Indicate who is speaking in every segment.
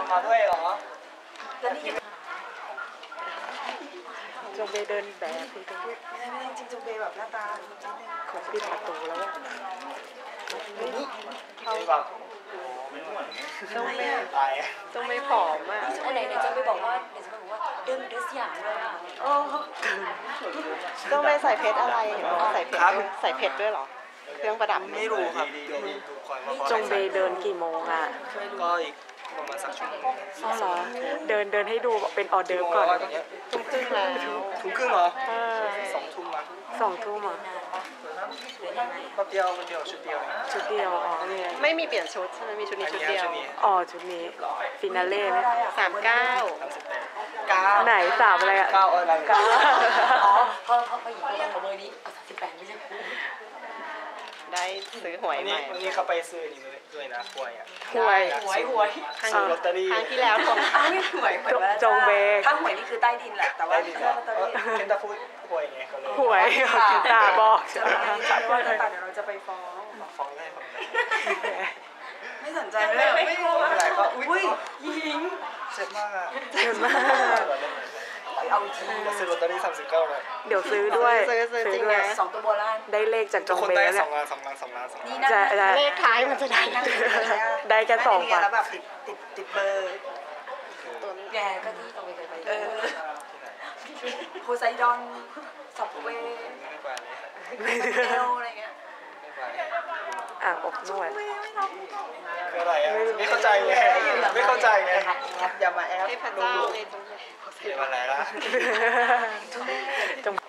Speaker 1: มาด้วยเหรอ
Speaker 2: แล้วนี่
Speaker 3: จงเบเดินแบบจริง
Speaker 2: จริงจงเบแบบหน้าตา
Speaker 3: ๆเขาปิดประตูแล้วอะ
Speaker 1: เขาแบบ
Speaker 3: ต้องไม่ต้องไม่ผอมอ่ะ
Speaker 2: ไหนจะไปบอกว่าเดินเดินสยามเลยอ่ะ
Speaker 3: ต้องไม่ใส่เพชรอะไรเห็นบอกว่าใส่เพชรด้วยเหรอเครื่องประดับ
Speaker 1: ไม่รู้ครับ
Speaker 3: จงเบเดินกี่โมงอ่ะ
Speaker 1: ก็อีกประมาณสักชั่วโมง
Speaker 3: อ๋อเหรอเดินให้ดูเป็นออเดิร์ฟก่อนทุ่มครึ่งแล้ว
Speaker 1: ทุ่มครึ่งเหรอ2 ทุ่มมั้ง
Speaker 3: 2 ทุ่มอ่ะ
Speaker 1: แป๊บเดียวชุดเดียว
Speaker 3: อ๋อไม่มีเปลี่ยนชุดใช่ไหมมีชุดนี้ชุดเดียวอ๋อชุดนี้ฟินาเล่ไหม39ไหน3อะไรอ่ะ
Speaker 1: 9อะไร
Speaker 2: อ๋อพอหยิบของเบอร์นี้38ไม่ใช่
Speaker 3: ได้ซื้อหวยใหม่
Speaker 1: วันนี้เขาไปซื้อนี่ด้วยนะหวยอ่ะ
Speaker 3: หวย
Speaker 1: ซื้อลอตเตอรี่
Speaker 3: ครั้งที่แล้ว
Speaker 2: ไม่หวย
Speaker 3: จงเบ
Speaker 2: ถ้าหวยนี่คือใต้ดินแหละแต่ว่าลอตเตอรี่
Speaker 1: เป็นตาพูดหวยไงเขาเลย
Speaker 3: หวยตาบอกใช่ไหม
Speaker 2: ว่าเดี๋ยวเราจะไปฟ้อง
Speaker 1: ได้
Speaker 2: ไม่สนใจเลยไม่รู้
Speaker 1: อะไรก็
Speaker 2: อุ้ยยิง
Speaker 1: เจ็บมากอ่ะ
Speaker 2: เอาที
Speaker 1: ซื้อลอตเตอรี่39เลย
Speaker 3: เดี๋ยวซื้อด้วยซื้อ
Speaker 2: จริงนะ2 ตัวโบราณ
Speaker 3: ได้เลขจากจงเบ
Speaker 1: แล้ว
Speaker 3: เนี่ย
Speaker 1: 2 ล้าน
Speaker 2: นี่นะ
Speaker 3: เลขท้ายมันจะได้แค่2
Speaker 2: แล้วแบบติดเบอร์แกก็ที่ตรงไปโพไซดอนสับเวเอลอะไรเงี้ย
Speaker 3: อบนวด
Speaker 1: คืออะไรอ่ะไม่เข้าใจไงอย่ามาแอป
Speaker 3: ให้พระเจ้าเลยจงเบ
Speaker 1: เดี๋ยวอะไรล่ะ
Speaker 3: จง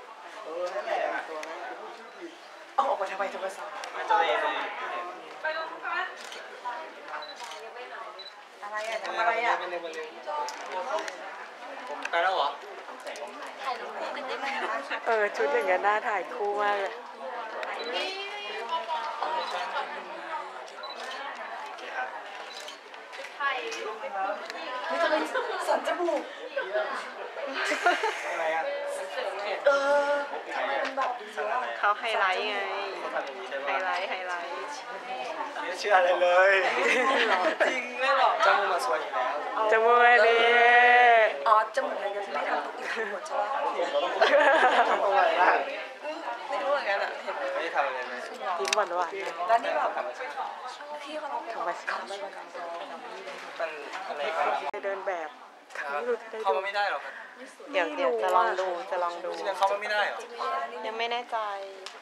Speaker 2: เอาออกมาทำไมโทรศัพท์อะไรอ่ะทำอะไรอ่ะ
Speaker 1: ไปแล้วเหรอ
Speaker 3: ชุดอย่างเงี้ยน่าถ่ายคู่มากเลย
Speaker 2: ไม่ต้องเลยสันจมูก
Speaker 1: อะไรอ่ะ
Speaker 3: เขาไฮไลท์ไงไฮไลท์
Speaker 1: ไม่เชื่ออะไรเลยจริงไม่หรอกจมูกมาสวยอยู่แล้ว
Speaker 3: จมูกดี
Speaker 2: อ๋อจมูกอะไรกันที่ไม่ทำตุ๊กตาหมดใช่ไหม
Speaker 1: ทำอะไรล่ะ
Speaker 2: ไม่รู้เหมือนกันอ่ะ
Speaker 1: ไม่ทำอะไรเลย
Speaker 3: ยิ้มหวาน
Speaker 2: แล้วนี่แบบพี่เขา
Speaker 3: ธรรมชาติ
Speaker 1: มันอะไร
Speaker 3: เดินแบบ
Speaker 1: เขาไม่ได้หรอครับ
Speaker 3: เดี๋ยวจะลองดู
Speaker 1: เขาไม่ได้หรอ
Speaker 3: ยังไม่แน่ใจ